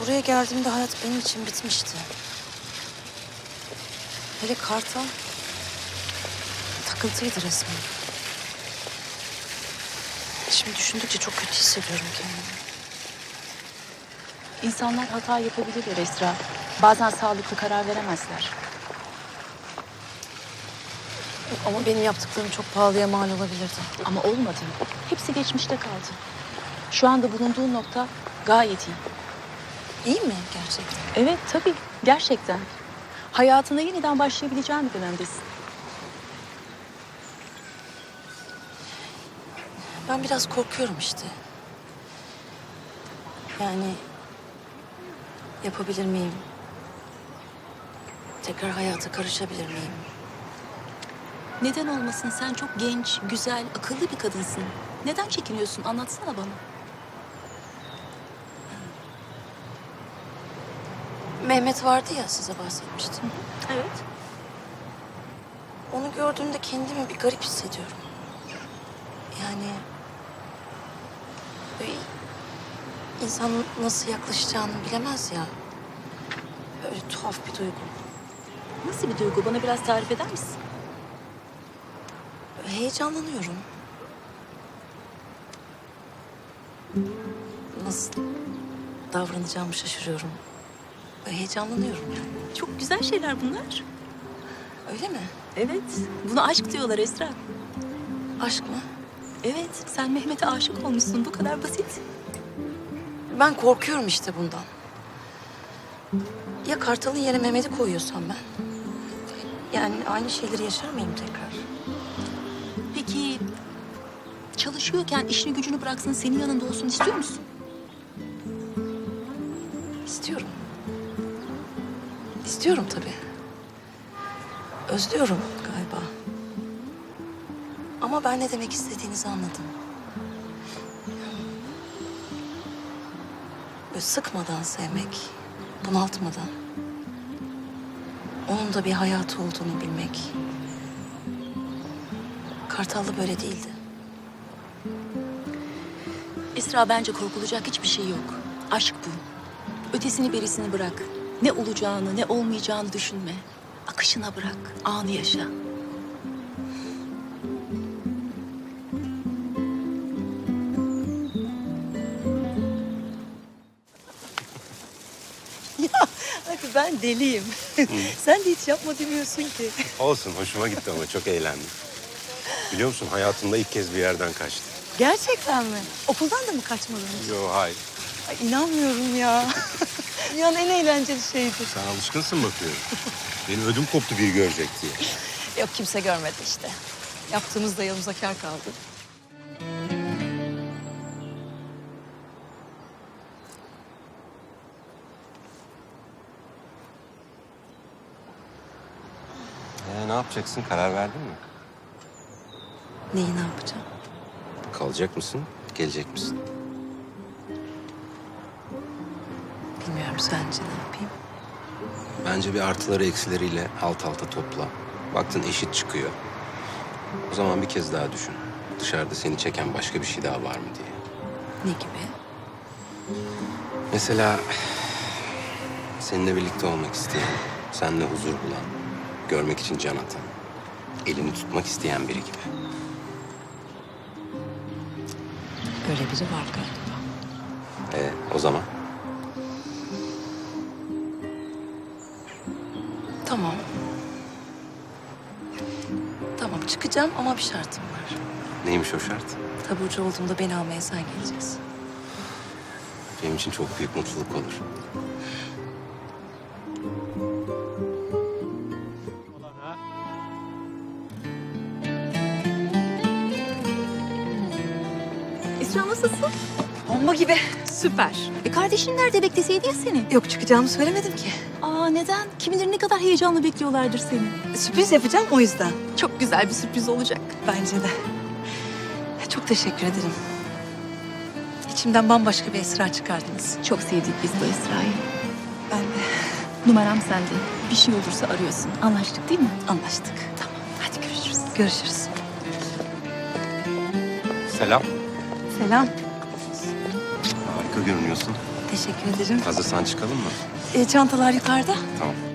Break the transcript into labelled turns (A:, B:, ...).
A: Buraya geldiğimde hayat benim için bitmişti. Hele Kartal takıntıydı resmen. Şimdi düşündükçe çok kötü hissediyorum kendimi.
B: İnsanlar hata yapabilirler Esra. Bazen sağlıklı karar veremezler.
A: Ama benim yaptıklarım çok pahalıya mal olabilirdi.
B: Ama olmadı. Hepsi geçmişte kaldı. Şu anda bulunduğun nokta gayet iyi.
A: İyi mi gerçekten?
B: Evet tabii gerçekten. Hayatına yeniden başlayabileceğin bir dönemdesin.
A: Ben biraz korkuyorum işte. Yani yapabilir miyim? Tekrar hayata karışabilir miyim?
B: Neden olmasın? Sen çok genç, güzel, akıllı bir kadınsın. Neden çekiniyorsun? Anlatsana bana.
A: Mehmet vardı ya, size bahsetmiştim.
B: Evet.
A: Onu gördüğümde kendimi bir garip hissediyorum. Yani böyle insan nasıl yaklaşacağını bilemez ya. Böyle tuhaf bir duygu.
B: Nasıl bir duygu? Bana biraz tarif eder misin?
A: Böyle heyecanlanıyorum. Nasıl davranacağımı şaşırıyorum. Böyle heyecanlanıyorum yani.
B: Çok güzel şeyler bunlar.
A: Öyle mi?
B: Evet. Buna aşk diyorlar Esra.
A: Aşk mı?
B: Evet. Sen Mehmet'e aşık olmuşsun. Bu kadar basit.
A: Ben korkuyorum işte bundan. Ya Kartal'ın yerine Mehmet'i koyuyorsam ben? Yani aynı şeyleri yaşar mıyım tekrar?
B: Peki çalışıyorken işini gücünü bıraksın, senin yanında olsun istiyor musun?
A: İstiyorum. İstiyorum tabii. Özlüyorum galiba. Ama ben ne demek istediğinizi anladım. Böyle sıkmadan sevmek, bunaltmadan. Onun da bir hayatı olduğunu bilmek. Kartal'da böyle değildi.
B: Esra, bence korkulacak hiçbir şey yok. Aşk bu. Ötesini berisini bırak. Ne olacağını ne olmayacağını düşünme. Akışına bırak. Anı yaşa.
A: Hadi ben deliyim. Sen de hiç yapma demiyorsun ki.
C: Olsun, hoşuma gitti ama çok eğlendim. Biliyor musun, hayatımda ilk kez bir yerden kaçtım.
A: Gerçekten mi? Okuldan da mı kaçmadınız?
C: Yo, hayır.
A: Ay, inanmıyorum ya. Dünyanın en eğlenceli şeydi.
C: Sen alışkınsın bakıyorum. Benim ödüm koptu biri görecek diye.
A: Yok, kimse görmedi işte. Yaptığımız da yanımıza kâr kaldı.
C: Ne yapacaksın, karar verdin mi?
A: Neyi ne yapacağım?
C: Kalacak mısın, gelecek misin?
A: Bilmiyorum, sence ne yapayım?
C: Bence bir artıları eksileriyle alt alta topla. Baktın eşit çıkıyor. O zaman bir kez daha düşün. Dışarıda seni çeken başka bir şey daha var mı diye.
A: Ne gibi?
C: Mesela seninle birlikte olmak isteyen, seninle huzur bulan, görmek için can atan, elini tutmak isteyen biri gibi.
A: Öyle biri var galiba.
C: O zaman
A: Tamam. Tamam, çıkacağım ama bir şartım var.
C: neymiş o şart?
A: Taburcu olduğumda beni almaya sen geleceksin.
C: Benim için çok büyük mutluluk olur.
B: Esra, nasılsın?
A: Bomba gibi.
B: Süper. Kardeşin nerede, bekleseydi ya seni?
A: Yok, çıkacağımı söylemedim ki.
B: Aa, neden? Kim bilir ne kadar heyecanla bekliyorlardır seni.
A: Sürpriz yapacağım, o yüzden.
B: Çok güzel bir sürpriz olacak.
A: Bence de. Çok teşekkür ederim. İçimden bambaşka bir Esra çıkardınız.
B: Çok sevdik biz bu Esra'yı.
A: Ben de.
B: Numaram sende. Bir şey olursa arıyorsun. Anlaştık değil mi?
A: Anlaştık.
B: Tamam. Hadi görüşürüz.
A: Görüşürüz.
C: Selam.
A: Selam.
C: Harika görünüyorsun.
A: Teşekkür ederim.
C: Hazırsan çıkalım mı?
A: Çantalar yukarıda.
C: Tamam.